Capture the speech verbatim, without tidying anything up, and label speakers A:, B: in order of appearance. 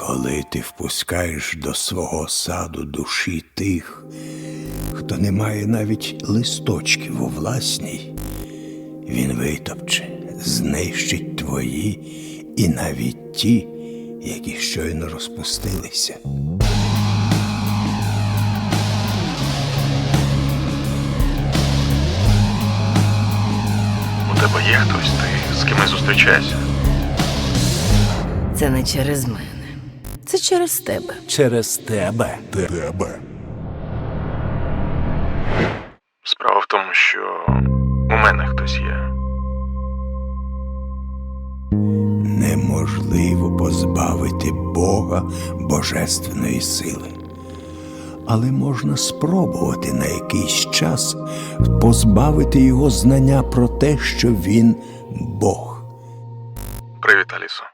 A: Коли ти впускаєш до свого саду душі тих, хто не має навіть листочків у власній, він витопче, знищить твої і навіть ті, які щойно розпустилися.
B: У тебе є хтось? Ти з кимось зустрічаєшся?
C: Це не через мене. Це через тебе.
D: Через тебе.
A: Тебе.
B: Справа в тому, що у мене хтось є.
A: Неможливо позбавити Бога божественної сили. Але можна спробувати на якийсь час позбавити його знання про те, що він Бог.
B: Привіт, Алісо.